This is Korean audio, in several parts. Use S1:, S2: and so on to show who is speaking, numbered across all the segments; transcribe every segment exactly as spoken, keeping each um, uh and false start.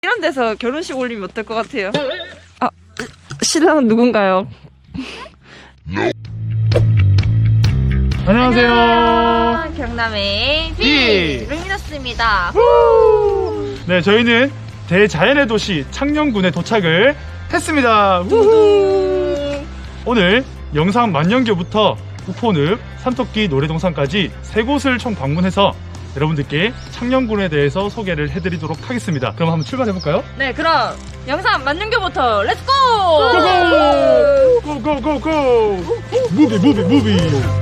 S1: 이런 데서 결혼식 올리면 어떨 것 같아요? 아, 신랑은 누군가요?
S2: 안녕하세요.
S1: 안녕, 경남의
S2: 비.
S1: 비 루미너스입니다.
S2: 네, 저희는 대자연의 도시 창녕군에 도착을 했습니다. 우후. 오늘 영상 만년교부터 우포늪, 산토끼 노래동산까지 세 곳을 총 방문해서 여러분들께 창녕군에 대해서 소개를 해드리도록 하겠습니다. 그럼 한번 출발해볼까요?
S1: 네, 그럼 영상 만년교부터 렛츠고!
S2: 고고! 고고고고! 무비 무비 무비!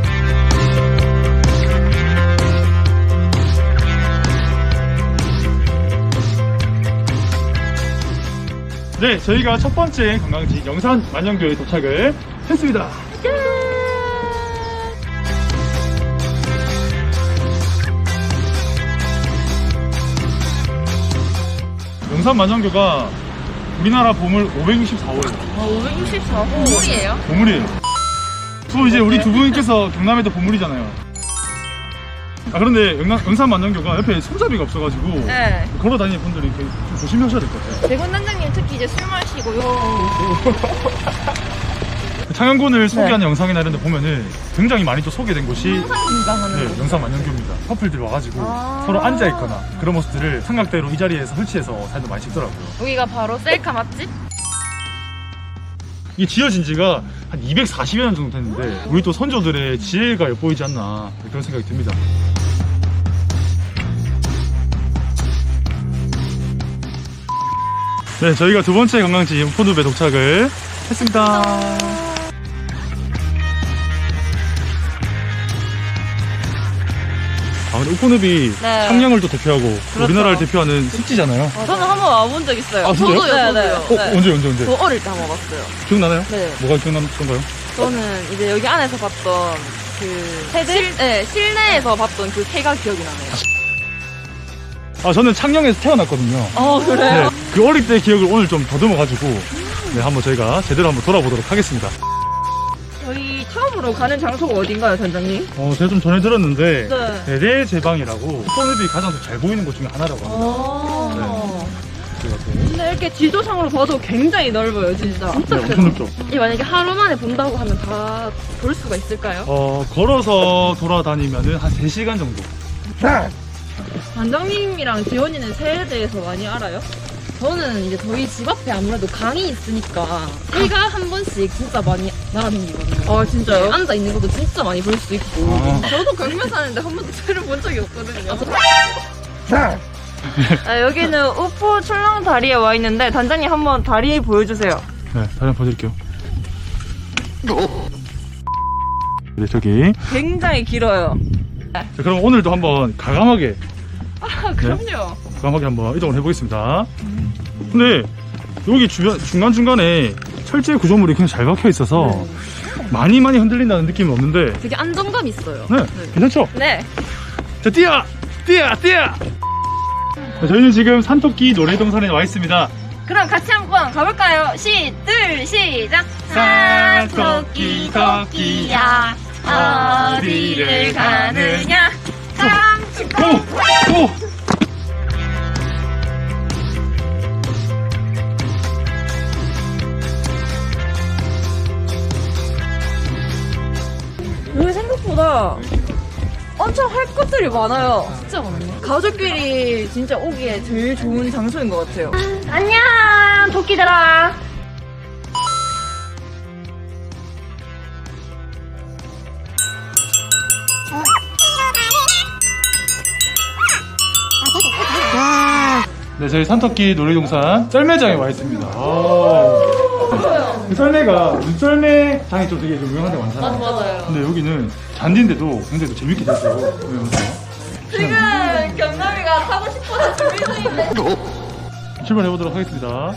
S2: 네, 저희가 첫 번째 관광지 영산 만년교에 도착을 했습니다. 영산 만년교가 우리나라 보물 오백육십사 호예요.
S1: 아, 오백육십사 호 보물이에요?
S2: 보물이에요. 또 이제 우리 두 분께서 경남에도 보물이잖아요. 아, 그런데 영남, 영산 만년교가 옆에 손잡이가 없어가지고
S1: 네.
S2: 걸어 다니는 분들이 좀 조심하셔야 될 것 같아요.
S1: 대군 단장님 특히 이제 술 마시고 요.
S2: 창녕군을 소개하는 영상이나 이런 데 보면은 굉장히 많이 또 소개된 곳이
S1: 항상 긴장하는
S2: 네,
S1: 거.
S2: 영산 만년교입니다. 커플들이 와가지고
S1: 아
S2: 서로 앉아있거나 그런 모습들을 삼각대로 이 자리에서 설치해서 사진도 많이 찍더라고요.
S1: 여기가 바로 셀카 맛집?
S2: 이게 지어진 지가 한 이백사십여 년 정도 됐는데 우리 또 선조들의 지혜가 엿보이지 않나 그런 생각이 듭니다. 네, 저희가 두 번째 관광지 우포늪에 도착을 했습니다. 아, 근데 우포늪이
S1: 네.
S2: 창녕을 또 대표하고
S1: 그렇죠.
S2: 우리나라를 대표하는 습지잖아요.
S1: 어, 저는 한 번 와본 적 있어요.
S2: 아, 진짜요?
S1: 저도요, 네,
S2: 어,
S1: 네.
S2: 언제 언제 언제?
S1: 저 어릴 때 한 번 와봤어요.
S2: 기억나나요?
S1: 네.
S2: 뭐가 기억나던가요?
S1: 저는 이제 여기 안에서 봤던 그 실, 네, 실내에서 봤던 그 새가 기억이 나네요.
S2: 아, 저는 창녕에서 태어났거든요.
S1: 어,
S2: 네,
S1: 그래요?
S2: 그 어릴 때 기억을 오늘 좀 더듬어가지고 네, 한번 저희가 제대로 한번 돌아보도록 하겠습니다.
S1: 저희 처음으로 가는 장소가 어딘가요, 단장님?
S2: 어, 제가 좀 전에 들었는데
S1: 네.
S2: 대대제방이라고 우포늪이 가장 잘 보이는 곳 중에 하나라고 합니다.
S1: 아.
S2: 제가 또
S1: 근데 이렇게 지도상으로 봐도 굉장히 넓어요, 진짜. 진짜
S2: 네,
S1: 크다.
S2: 엄청 넓죠.
S1: 이 만약에 하루 만에 본다고 하면 다 볼 수가 있을까요?
S2: 어, 걸어서 돌아다니면은 한 세 시간 정도.
S1: 단장님이랑 지원이는 새에 대해서 많이 알아요? 저는 이제 저희 집 앞에 아무래도 강이 있으니까 새가 한 번씩 진짜 많이 날아다니거든요. 아, 진짜요? 앉아 있는 것도 진짜 많이 볼 수 있고.
S2: 아.
S1: 저도 경매 사는데 한 번도 새를 본 적이 없거든요. 아, 여기는 우포 출렁 다리에 와 있는데 단장님 한번 다리 보여주세요.
S2: 네, 다시 한번 보여드릴게요. 네, 저기.
S1: 굉장히 길어요.
S2: 자, 그럼 오늘도 한번 가감하게,
S1: 아, 그럼요.
S2: 가감하게 한번 이동을 해보겠습니다. 근데 여기 주변, 중간중간에 철제 구조물이 굉장히 잘 박혀 있어서 많이 많이 흔들린다는 느낌은 없는데,
S1: 되게 안정감 있어요.
S2: 네, 괜찮죠?
S1: 네.
S2: 자, 뛰어! 뛰어! 뛰어! 자, 저희는 지금 산토끼 노래동산에 와 있습니다.
S1: 그럼 같이 한번 가볼까요? 시, 둘, 시작!
S2: 산토끼 토끼야
S1: 어디를 가느냐? 깜찍
S2: 오! 오!
S1: 여기 생각보다 엄청 할 것들이 많아요. 진짜 많네. 가족끼리 진짜 오기에 제일 좋은 장소인 것 같아요. 안녕, 토끼들아.
S2: 네, 저희 산토끼 놀이동산 썰매장에 와 있습니다. 그 썰매가 눈썰매장이 좀 되게 좀 유명한 데 많잖아요.
S1: 맞아요.
S2: 근데 여기는 잔디인데도 굉장히 또 재밌게 됐어요. 네,
S1: 지금 경남이가 타고 싶어서 준비 중인데.
S2: 출발해 보도록 하겠습니다.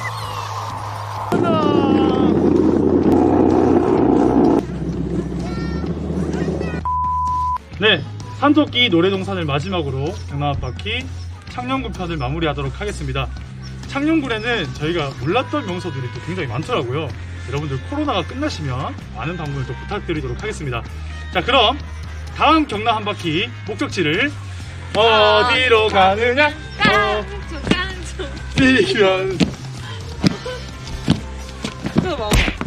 S2: 네, 산토끼 노래동산을 마지막으로 경남 앞바퀴 창녕군 편을 마무리하도록 하겠습니다. 창녕군에는 저희가 몰랐던 명소들이 또 굉장히 많더라고요. 여러분들 코로나가 끝나시면 많은 방문을 또 부탁드리도록 하겠습니다. 자, 그럼 다음 경남 한 바퀴 목적지를 어디로 가느냐?
S1: 깡총 깡총
S2: 뛰면
S1: 그거 봐.